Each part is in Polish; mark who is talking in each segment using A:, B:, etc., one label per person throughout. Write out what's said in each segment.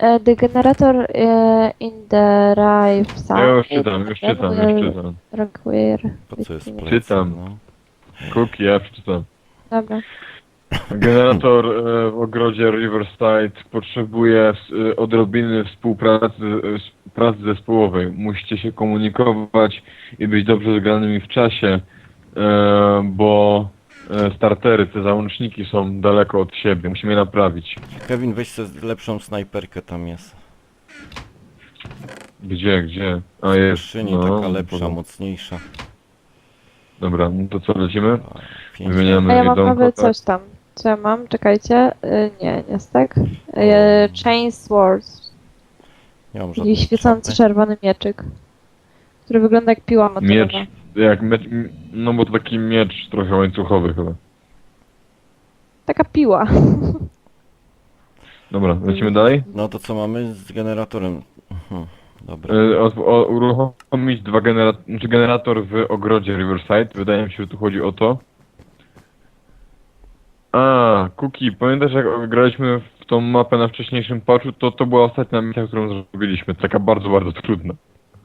A: The generator in the right
B: Ja
A: side
B: już czytam, już czytam, już czytam.
A: require...
C: Po co jest plecak,
B: Czytam.
C: no?
B: Cookie, ja przeczytam.
A: Dobra.
B: Generator w ogrodzie Riverside potrzebuje odrobiny współpracy, pracy zespołowej. Musicie się komunikować i być dobrze zgranymi w czasie, bo startery, te załączniki są daleko od siebie. Musimy je naprawić.
C: Kevin, weź sobie lepszą snajperkę, tam jest.
B: Gdzie? A
C: W
B: jest,
C: skrzyni
B: no.
C: taka lepsza, mocniejsza.
B: Dobra, no to co, lecimy?
C: A, 5
B: Wymieniamy
A: A ja mam
B: jedzonko,
A: nowy
B: tak?
A: coś tam. Co ja mam? Czekajcie. Nie, nie jest tak. Chain Swords.
C: Nie mam
A: Taki
C: żadnej
A: świecący
C: czapy.
A: czerwony mieczyk. Który wygląda jak piła motorowa.
B: Miecz, no bo to taki miecz trochę łańcuchowy chyba.
A: Taka piła.
B: Dobra, lecimy dalej?
C: No to co mamy z generatorem? Dobra.
B: Uruchomić generator w ogrodzie Riverside. Wydaje mi się, że tu chodzi o to. A, Cookie, pamiętasz jak graliśmy w tą mapę na wcześniejszym patchu? To była ostatnia misja, którą zrobiliśmy. Taka bardzo, bardzo trudna.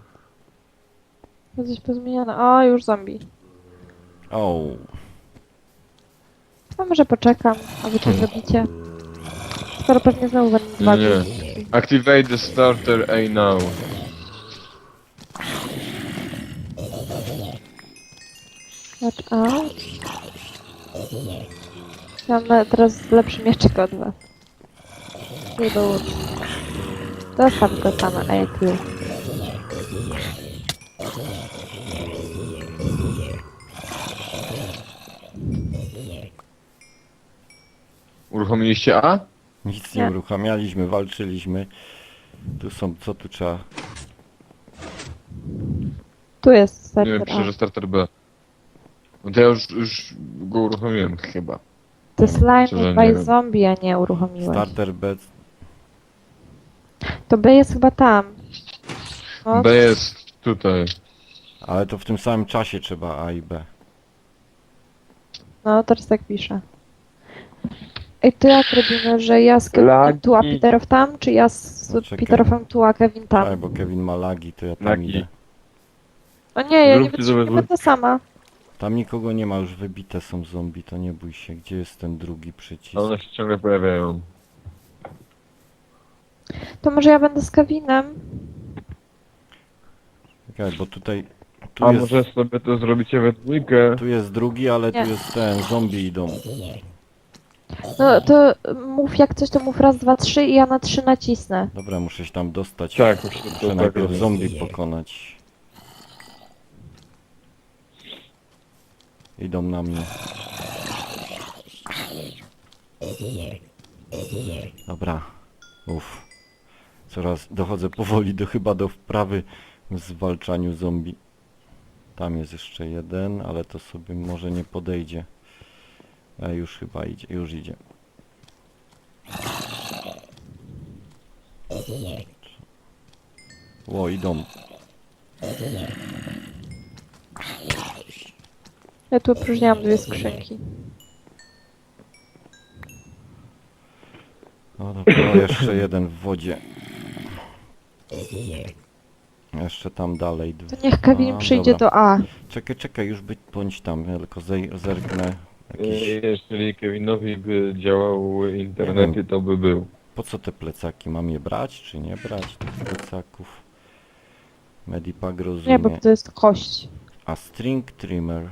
A: To coś pozmieniane. O, już zombie.
C: O,
A: A może poczekam, a wy coś zrobicie. Skoro pewnie znowu będą dwa
B: Nie.
A: guzik.
B: Activate the starter A now.
A: Watch out. Ja mam teraz lepszy mieczyk od was. Nie było. Zostaw go tam, Epiu.
B: Uruchomiliście A?
C: nic nie
A: Nie.
C: uruchamialiśmy, walczyliśmy. Tu są, co tu trzeba?
A: Tu jest
B: Nie
A: serwer
B: wiem,
A: A.
B: piszę, że starter B. No to ja już go uruchomiłem chyba.
A: The slime
B: Szczerze, nie
A: by
B: wiem.
A: zombie, a nie uruchomiłeś.
C: Starter B.
A: To B jest chyba tam. No,
B: B jest tutaj.
C: Ale to w tym samym czasie trzeba A i B.
A: no teraz tak piszę. Ej, to jak robimy, że ja z Kevinem
B: Lagi.
A: tu, a Peterow tam? Czy ja z
C: No, czekaj.
A: Peterowem tu, a Kevin tam?
C: Tak, bo Kevin ma lagi, to ja tam
B: Lagi.
C: idę.
A: O nie, ja nie
B: Zróbcie
A: wytrzymuję,
B: sobie-
A: będę sama.
C: Tam nikogo nie ma, już wybite są zombie, to nie bój się. Gdzie jest ten drugi przycisk?
B: A one się ciągle pojawiają.
A: To może ja będę z Kevinem?
C: Czekaj, bo tutaj... Tu
B: A
C: jest,
B: może sobie to zrobicie we dwójkę?
C: tu jest drugi, ale
A: Nie.
C: tu jest ten, zombie idą.
A: No to mów jak coś, to mów raz, dwa, trzy i ja na 3 nacisnę.
C: Dobra, muszę się tam dostać.
B: Tak, muszę to
C: Muszę
B: tak
C: najpierw
B: robić.
C: zombie pokonać. Idą na mnie. Dobra. Uff. Coraz dochodzę powoli chyba do wprawy w zwalczaniu zombie. Tam jest jeszcze jeden, ale to sobie może nie podejdzie. Już chyba idzie, już idzie. Ło, idą.
A: Ja tu opróżniałam 2 skrzynki.
C: No dobra, jeszcze jeden w wodzie. Jeszcze tam dalej.
A: To niech Kevin
C: A,
A: przyjdzie
C: dobra.
A: do A.
C: Czekaj, już bądź tam, ja tylko zerknę. Jakiś...
B: Jeżeli Kevinowi by działały internety, to by był.
C: Po co te plecaki? Mam je brać, czy nie brać tych plecaków? Medipack
A: Nie,
C: rozumie.
A: bo to jest kość.
C: A string trimmer.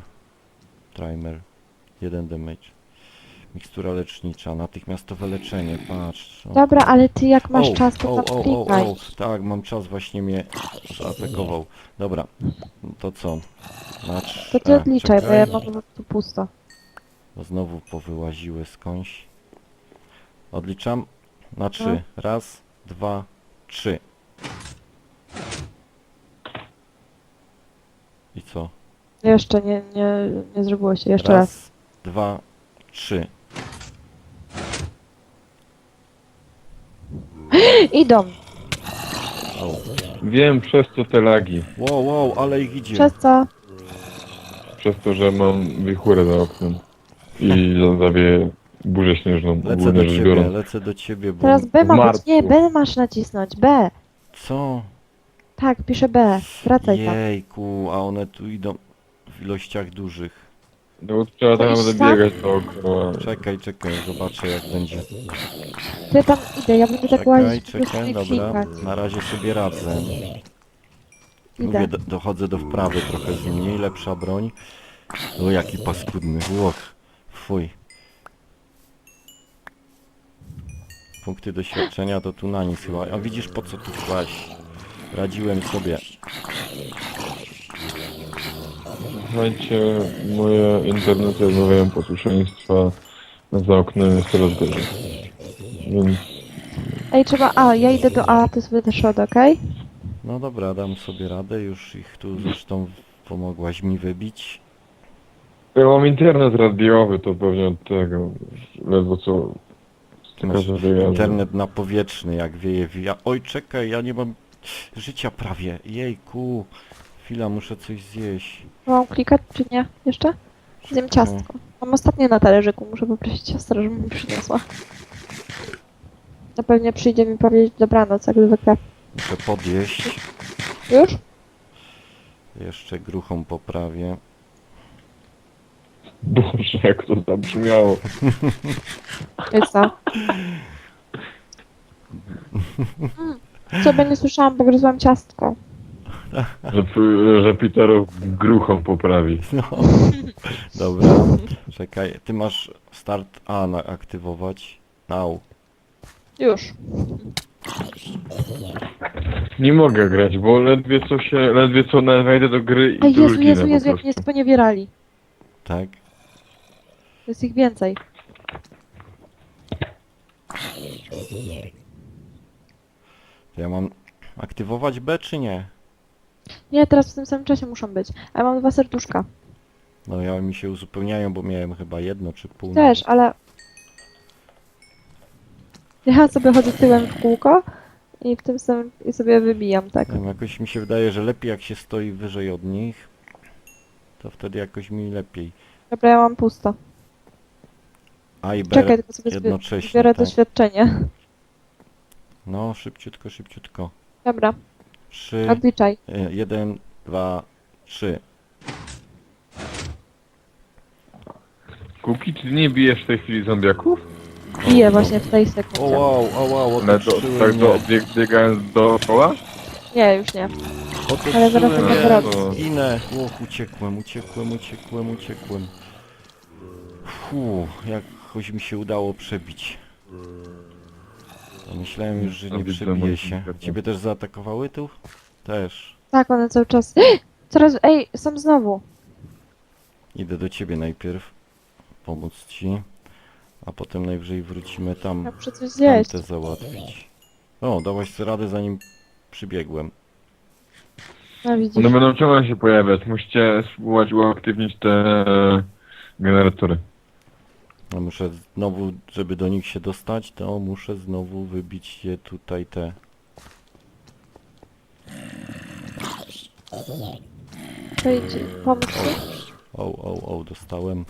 C: 1 damage. Mikstura lecznicza, natychmiastowe leczenie, patrz. O.
A: Dobra, ale ty jak masz
C: O,
A: czas, to tam klikaj.
C: tak, mam czas, właśnie mnie zaatakował. Dobra, to co? Na
A: To ty odliczaj, bo
C: czekaj,
A: ja mam po prostu pusto.
C: bo znowu powyłaziły skądś. Odliczam na 3.
A: No.
C: Raz, 2, 3. I co?
A: Jeszcze nie zrobiło się. Jeszcze raz.
C: Raz, 2, 3.
A: Idą.
C: O.
B: Wiem przez co te lagi.
C: Wow, ale ich idzie.
A: Przez co?
B: Przez to, że mam wichurę za oknem. I zawieje burzę śnieżną,
C: Lecę
B: ogólnie
C: do
B: rzecz
C: ciebie,
B: biorąc.
C: lecę do ciebie, bo...
A: Teraz B
B: w
A: ma być.
B: marcu.
A: Nie, B masz nacisnąć. B.
C: Co?
A: Tak, piszę B. Wracaj tam.
C: Jejku, a one tu idą w ilościach dużych.
B: No bo trzeba
A: To
B: tak
A: idź
B: naprawdę
A: tam.
B: biegać dookoła.
C: Czekaj, zobaczę jak będzie.
A: Ja tam idę, ja będę tak łazić po prostu
C: Czekaj,
A: i
C: dobra.
A: klikać.
C: Na razie sobie radzę. Mówię,
A: Idę.
C: dochodzę do wprawy trochę z mniej, lepsza broń. O, jaki paskudny, łoch. Fuj. Punkty doświadczenia to tu na nic chyba. A widzisz po co tu kłaść? Radziłem sobie.
B: Słuchajcie, moje internety odmawiają posłuszeństwa, za oknem jest coraz gorzej. Więc
A: Ej, trzeba A, ja idę do A, ty sobie też od, okej?
C: No dobra, dam sobie radę, już ich tu zresztą pomogłaś mi wybić.
B: ja mam internet radiowy, to pewnie od tego, ledwo co
C: Ty masz
B: styka wyjazdu.
C: internet napowietrzny, jak wieje wija. Oj, czekaj, ja nie mam życia prawie. Jejku. Chwila, muszę coś zjeść.
A: Mam klikać czy nie? Jeszcze? Zjem ciastko. Mam ostatnie na talerzyku, muszę poprosić siostrę, żeby mi przyniosła. Na pewno przyjdzie mi powiedzieć dobranoc, jak zwykle.
C: Muszę podjeść.
A: Już?
C: Jeszcze gruchą poprawię.
B: Boże, jak to zabrzmiało.
A: Jest co? Sobie nie słyszałam, bo gryzłam ciastko.
B: Że Peterów gruchą poprawi.
C: No. Dobra. Czekaj, ty masz start A na aktywować. Now.
A: Już.
B: Nie mogę grać, bo ledwie co wejdę do gry
A: A
B: i tu
A: Jezu,
B: zginę
A: Jezu,
B: po
A: Jezu, jak
B: prostu.
A: mnie sponiewierali.
C: Tak?
A: Jest ich więcej.
C: To ja mam aktywować B czy nie?
A: Nie, teraz w tym samym czasie muszą być. A ja mam 2 serduszka.
C: No ja mi się uzupełniają, bo miałem chyba jedno czy pół.
A: Też, ale... Ja sobie chodzę tyłem w kółko i w tym samym... i sobie wybijam, tak.
C: Nie wiem, jakoś mi się wydaje, że lepiej jak się stoi wyżej od nich. To wtedy jakoś mi lepiej.
A: Dobra, ja mam pusto.
C: A i B
A: Czekaj, tylko sobie
C: jednocześnie,
A: zbiorę
C: tak.
A: doświadczenie.
C: No, szybciutko, szybciutko.
A: Dobra,
C: 3,
A: odliczaj.
C: 1, 2, 3.
B: Kuki, ty nie bijesz w tej chwili zombiaków?
A: Biję właśnie w tej
C: O
A: sekundzie.
C: wow, otoczyły
B: Tak
C: mnie.
B: biegając dookoła?
A: Nie, już nie.
C: Otoczyły
A: Ale zaraz to
C: mnie.
A: powrócę.
C: Ginę. Uciekłem. Jakoś mi się udało przebić. Myślałem już, że nie
B: Widzę,
C: przebije
B: moim
C: się.
B: zdaniem.
C: Ciebie też zaatakowały tu? Też.
A: Tak, one cały czas... Coraz... Ej, są znowu.
C: Idę do ciebie najpierw. Pomóc ci. A potem najwyżej wrócimy tam.
A: Ja muszę coś zjeść.
C: Tamte załatwić. O, dałaś sobie radę zanim przybiegłem.
A: No widzisz.
B: One będą ciągle się pojawiać. Musicie spróbować uaktywnić te generatory.
C: No muszę znowu, żeby do nich się dostać, to muszę znowu wybić je tutaj te.
A: To idź, pomóż mi.
C: O, dostałem.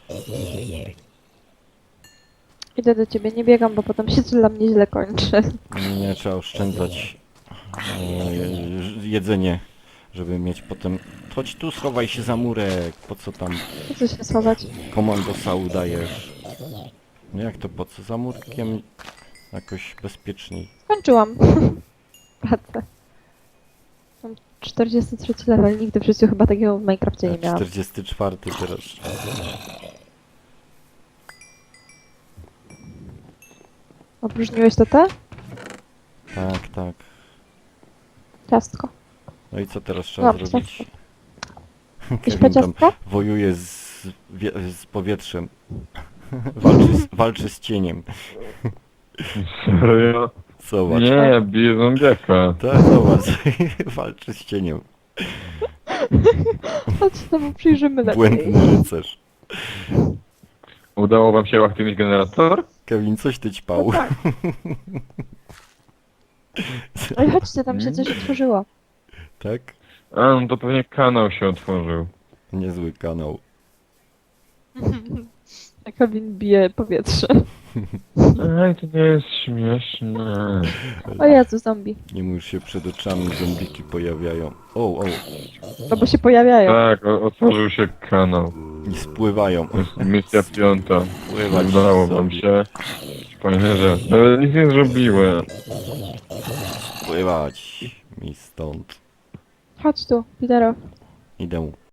A: Idę do ciebie, nie biegam, bo potem się dla mnie źle kończy.
C: Nie, trzeba oszczędzać jedzenie, żeby mieć potem... Chodź tu, schowaj się za murek, po co tam
A: Po co się schować?
C: komandosa udajesz? No jak to po co? Za murkiem jakoś bezpieczniej.
A: Skończyłam. Pracę. Mam 43 level, nigdy w życiu chyba takiego w Minecrafcie nie miałam.
C: 44 teraz.
A: Opróżniłeś to te?
C: Tak.
A: Ciastko.
C: No i co teraz trzeba
A: No,
C: zrobić?
A: Jakieś
C: Kevin tam
A: ciastko?
C: wojuje z powietrzem. Walczy z cieniem.
B: Serio?
C: Zobacz.
B: Nie, ja biję zombiaka.
C: Tak, zobacz. Walczy z cieniem.
A: Chodź się temu przyjrzymy lepiej.
C: Błędny rycerz.
B: Udało wam się uaktywnić generator?
C: Kevin, coś ty ćpał.
A: No tak. Ej, chodźcie, tam się coś otworzyło.
C: Tak?
B: A, no to pewnie kanał się otworzył.
C: Niezły kanał.
A: Kevin bije powietrze.
B: Ej, to nie jest śmieszne.
A: O Jezu, zombie.
C: Jemu już się przed oczami zombiki pojawiają. O,
A: No bo się pojawiają.
B: Tak, otworzył się kanał.
C: i spływają.
B: To jest misja 5.
C: Pływać
B: Udało wam
C: zombie.
B: się. Fajnie, że... Nawet nic nie zrobiłem.
C: Spływać mi stąd.
A: Chodź tu, Peterow.
C: Idę.